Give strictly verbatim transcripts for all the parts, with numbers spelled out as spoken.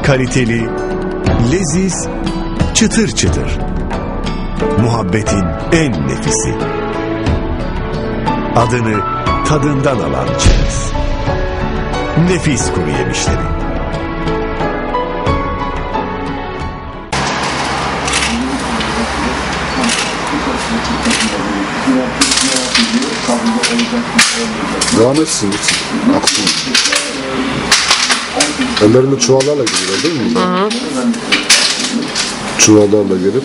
Kaliteli, leziz, çıtır çıtır. Muhabbetin en nefisi. Adını tadından alan çerez. Nefis kuru yemişleri. Devam etsin. Aksın. Ellerinde çuvallarla geliyor değil mi? Hı hı. Çuvallarla gelip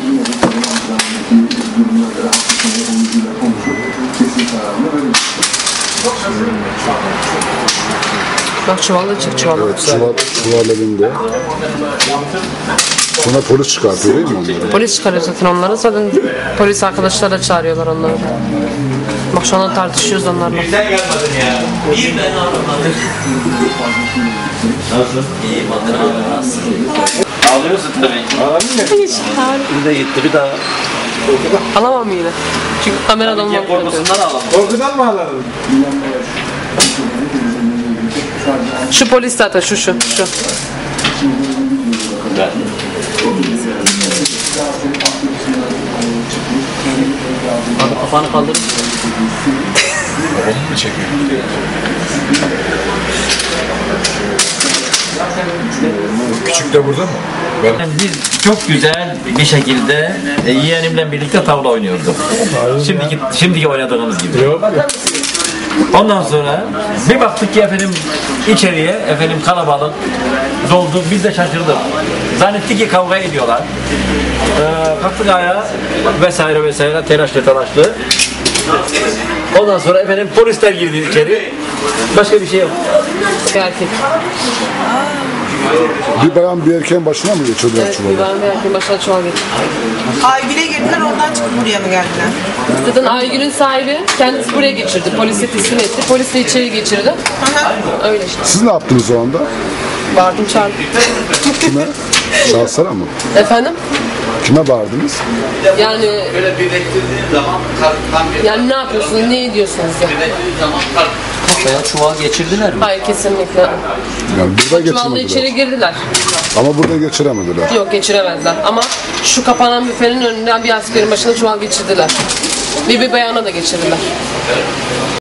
bak çuvalla çık çuvalla. Evet, çuval, çuval elinde. Sonra polis çıkartıyor değil mi onları? Polis çıkarıyor zaten onları. Zaten polis arkadaşlar da çağırıyorlar onları. Bak şu anda tartışıyoruz onlarla. Sen gelmedin ya. İyi ben anlamadım. Nasıl? İyi bakın abi nasıl? Ağlıyorsun tabii. Ağlamıyor. Hiç. Bir de gitti bir daha. Alamam yine. Çünkü kameradan Ya korkusundan ağlamam. Korkudan mı ağladın? Şu polis zaten şu şu şu. Ben. Abi kafanı kaldır. Onu mu çekiyor? Küçük de burada mı? Ben... Biz çok güzel bir şekilde e, yeğenimle birlikte tavla oynuyorduk. Şimdiki şimdiki oynadığımız gibi. Yok. Ondan sonra bir baktık ki efendim içeriye efendim kalabalık doldu. Biz de şaşırdık. Zannettik ki kavga ediyorlar. Ee, kalktık ayağa vesaire vesaire telaşlı telaşlı. Ondan sonra efendim polisler girdi içeri. Başka bir şey yok. Erkek. Bir bayan bir erkeğin başına mı geçiyordu Evet, çuvalı? bir ben bir erkeğin başına çuval getirdi. Aygül'e girdiler, oradan çıkıp buraya mı geldiler? Zaten Aygül'ün sahibi kendisi buraya geçirdi. Polise teslim etti. Polis de içeri geçirdi. Öyle işte. Siz ne yaptınız o anda? Bağırdım çağırdım. Kime? Şahsara mı? Efendim? Kime bağırdınız? Yani Böyle birleştirdiğin zaman tam bir yani ne yapıyorsunuz? Ne ediyorsunuz ya? birleştirdiğin zaman kafaya çuval geçirdiler mi? Hayır kesinlikle. Yani burada Çuvalla geçirmediler. içeri girdiler. Ama burada geçiremediler. Yok geçiremediler. Ama şu kapanan büfenin önünden bir askerin başına çuval geçirdiler. Bir bir bayana da geçirdiler.